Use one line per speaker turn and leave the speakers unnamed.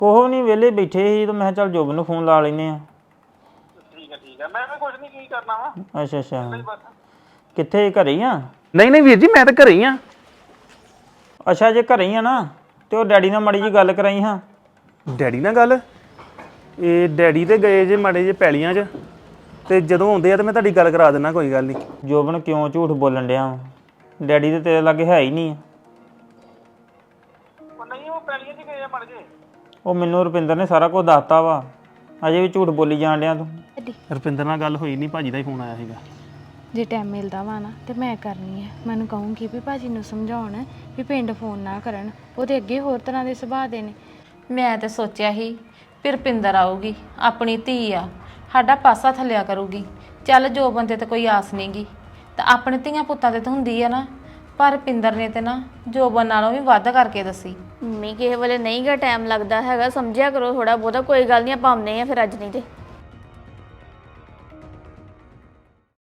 ਕੋਹ ਨਹੀਂ ਵਿਹਲੇ ਬੈਠੇ ਸੀ ਤੇ ਮੈਂ ਕਿਹਾ ਚੱਲ ਜੋਬਨ ਨੂੰ ਫੋਨ ਲਾ ਲੈਨੇ ਆ।
ਠੀਕ ਹੈ ਮੈਂ ਵੀ ਕੁਝ ਨਹੀਂ ਕੀ ਕਰਨਾ ਵਾ
ਅੱਛਾ ਕਿੱਥੇ ਘਰੇ ਹੀ ਆ?
ਨਹੀਂ ਵੀਰ ਜੀ ਮੈਂ ਤਾਂ ਘਰੇ ਹੀ ਆ।
ਅੱਛਾ ਜੇ ਘਰੇ ਹੀ ਆ ਨਾ ਤੇ ਉਹ ਡੈਡੀ ਨਾਲ ਮਾੜੀ ਜੀ ਗੱਲ ਕਰਾਈ ਹਾਂ।
ਡੈਡੀ ਨਾਲ ਗੱਲ? ਇਹ ਡੈਡੀ ਤੇ ਗਏ ਜੇ ਮਾੜੇ ਜੇ ਪੈਲੀਆਂ 'ਚ ਤੇ ਜਦੋਂ ਆਉਂਦੇ ਆ ਤੇ ਮੈਂ ਤੁਹਾਡੀ ਗੱਲ ਕਰਾ ਦਿੰਦਾ, ਕੋਈ ਗੱਲ ਨਹੀਂ।
ਜੋਬਨ ਕਿਉਂ ਝੂਠ ਬੋਲਣ ਡਿਆ ਵਾ? ਡੈਡੀ ਤੇ ਤੇਰੇ ਲਾਗੇ ਹੈ ਹੀ ਨਹੀਂ।
ਉਹ ਨਹੀਂ ਉਹ ਪੈਲੀਆਂ 'ਚ ਗਏ ਆ ਮੜ ਜੇ।
ਉਹ ਮੈਨੂੰ ਰੁਪਿੰਦਰ ਨੇ ਸਾਰਾ ਕੁਝ ਦੱਸਤਾ ਵਾ, ਅਜੇ ਵੀ ਝੂਠ ਬੋਲੀ ਜਾਣ ਡਿਆ ਤੂੰ।
ਰੁਪਿੰਦਰ ਨਾਲ ਗੱਲ ਹੋਈ ਨਹੀਂ, ਭਾਜੀ ਦਾ ਹੀ ਫੋਨ ਆਇਆ ਸੀਗਾ।
ਜੇ ਟਾਈਮ ਮਿਲਦਾ ਵਾ ਨਾ ਤੇ ਮੈਂ ਕਰਨੀ ਹੈ। ਮੈਨੂੰ ਕਹੂੰਗੀ ਵੀ ਭਾਜੀ ਨੂੰ ਸਮਝਾਉਣ ਵੀ ਪਿੰਡ ਫੋਨ ਨਾ ਕਰਨ, ਉਹਦੇ ਅੱਗੇ ਹੋਰ ਤਰ੍ਹਾਂ ਦੇ ਸੁਭਾਅ ਦੇ ਨੇ।
ਮੈਂ ਤੇ ਸੋਚਿਆ ਸੀ ਫਿਰ ਰੁਪਿੰਦਰ ਆਊਗੀ, ਆਪਣੀ ਧੀ ਆ, ਸਾਡਾ ਪਾਸਾ ਥੱਲਿਆ ਕਰੂਗੀ। ਚੱਲ ਜੋ ਬੰਦੇ ਤੇ ਕੋਈ ਆਸ ਨਹੀਂਗੀ ਤਾਂ ਆਪਣੇ ਧੀਆਂ ਪੁੱਤਾਂ ਤੇ ਤਾਂ ਹੁੰਦੀ ਆ ਨਾ, ਪਰ ਰੁਪਿੰਦਰ ਨੇ ਤੇ ਨਾ ਜੋਬਨ ਨਾਲੋਂ ਵੀ ਵੱਧ ਕਰਕੇ ਦੱਸੀ।
ਮੰਮੀ ਕਿਸੇ ਵੇਲੇ ਨਹੀਂ ਗਾ ਟਾਈਮ ਲੱਗਦਾ ਹੈਗਾ, ਸਮਝਿਆ ਕਰੋ ਥੋੜਾ ਬਹੁਤਾ। ਕੋਈ ਗੱਲ ਨਹੀਂ ਆਪਾਂ ਆਉਂਦੇ ਆ ਫਿਰ ਅੱਜ ਨਹੀਂ ਤੇ।